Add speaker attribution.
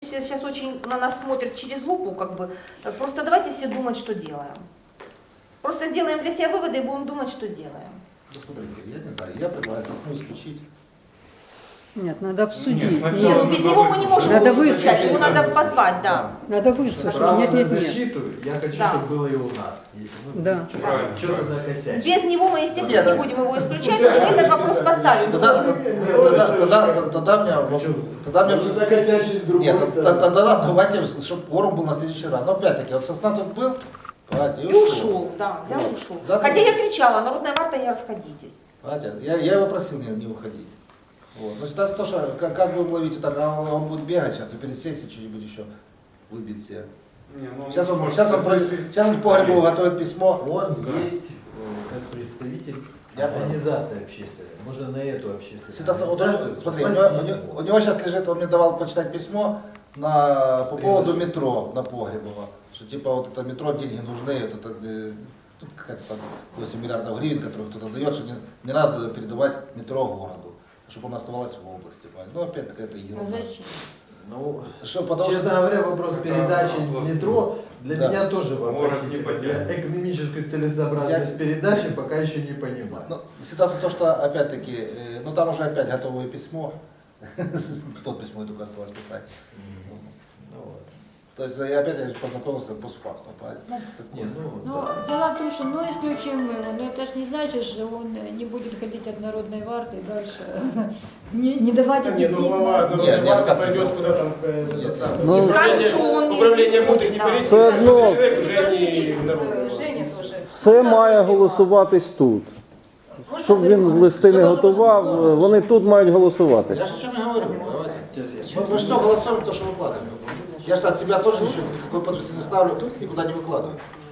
Speaker 1: сейчас очень на нас смотрят через лупу, как бы. Просто давайте все думать, что делаем. Просто сделаем для себя выводы и будем думать, что делаем.
Speaker 2: Ну, смотрите, я не знаю, я предлагаю сосну исключить.
Speaker 3: Нет, надо обсудить.
Speaker 4: сначала
Speaker 3: Нет,
Speaker 1: Ну, без него мы не можем
Speaker 3: Надо
Speaker 1: его исключать,
Speaker 3: выслушать.
Speaker 1: его надо позвать, да.
Speaker 3: надо выслушать.
Speaker 5: Право
Speaker 3: Нет,
Speaker 5: на
Speaker 3: нет, нет.
Speaker 5: защиту я хочу,
Speaker 1: Да.
Speaker 5: чтобы было и у нас.
Speaker 3: Да.
Speaker 4: Правильно,
Speaker 5: Что-то
Speaker 4: правильно.
Speaker 5: накосячить.
Speaker 1: Без него мы, естественно,
Speaker 2: Нет,
Speaker 1: не
Speaker 2: да.
Speaker 1: будем его исключать, мы этот вопрос поставим.
Speaker 2: Тогда мне...
Speaker 6: Можно накосячить с другой
Speaker 2: Нет,
Speaker 6: стороны.
Speaker 2: тогда давайте, чтобы кворум был на следующий раз. Но опять-таки, вот сосна тут был, понимаете,
Speaker 1: И ушел, да, взял и ушел.
Speaker 2: Завтра-
Speaker 1: Хотя я кричала, народная варта, не расходитесь.
Speaker 2: Понимаете, я его просил не уходить. Вот. Но ситуация то, что как будем ловить вот так, он будет бегать сейчас и перед сессией что-нибудь еще выбить себе.
Speaker 4: Не, ну,
Speaker 2: Сейчас он,
Speaker 4: может,
Speaker 2: сейчас он, сейчас он по Грибову готовит письмо.
Speaker 5: Он
Speaker 4: Да.
Speaker 5: есть как представитель
Speaker 2: Я понял.
Speaker 5: организации общественной. Можно на эту общественную
Speaker 2: Ситуация, вот
Speaker 5: организацию
Speaker 2: он, смотри,
Speaker 5: послать
Speaker 2: у
Speaker 5: письмо.
Speaker 2: него сейчас лежит, он мне давал почитать письмо по поводу метро на Погребово. Что типа вот это метро, деньги нужны, вот это тут какая-то там 8 миллиардов гривен, которые кто-то дает, что не надо передавать метро городу, чтобы оно оставалось в области. Понимаете? Ну опять-таки это ерунда.
Speaker 5: Ну,
Speaker 2: Что, потому
Speaker 5: честно
Speaker 2: что...
Speaker 5: говоря, вопрос передачи метро для
Speaker 2: Да.
Speaker 5: меня тоже
Speaker 4: Город не
Speaker 5: вопросительный.
Speaker 4: поддерживает.
Speaker 5: Я экономическую целесообразность передачи пока еще не понимаю.
Speaker 2: Ну, ситуация то, что опять-таки, ну там уже опять готовое письмо, подпись мою только осталось писать.
Speaker 5: Ну, вот.
Speaker 2: То есть я опять познакомился постфактум.
Speaker 5: Не, ну,
Speaker 7: Ну,
Speaker 5: да.
Speaker 7: дело в том, что ну исключим его, но это ж не значит, что он не будет ходить от народной варты и дальше не давать
Speaker 6: Да
Speaker 7: эти
Speaker 6: не, ну глава
Speaker 7: письма.
Speaker 2: Не,
Speaker 6: Народной
Speaker 2: как
Speaker 6: пойдет
Speaker 2: это?
Speaker 6: куда там это самое.
Speaker 8: Ну,
Speaker 1: Скажут, что он не
Speaker 6: Управление будет не
Speaker 1: да.
Speaker 6: перейти,
Speaker 8: Все одно.
Speaker 6: человек уже не
Speaker 9: Розподіліть,
Speaker 6: народный.
Speaker 9: Женя теж.
Speaker 8: Все має голосуватись тут. Щоб він листи не готував, вони тут мають голосуватись.
Speaker 2: Я же о чем и говорю. Давайте.
Speaker 5: Сейчас я-
Speaker 2: Мы же все голосуем, то, что выкладываем. Я же от себя тоже ничего, какой подписи не ставлю, никуда не выкладываю.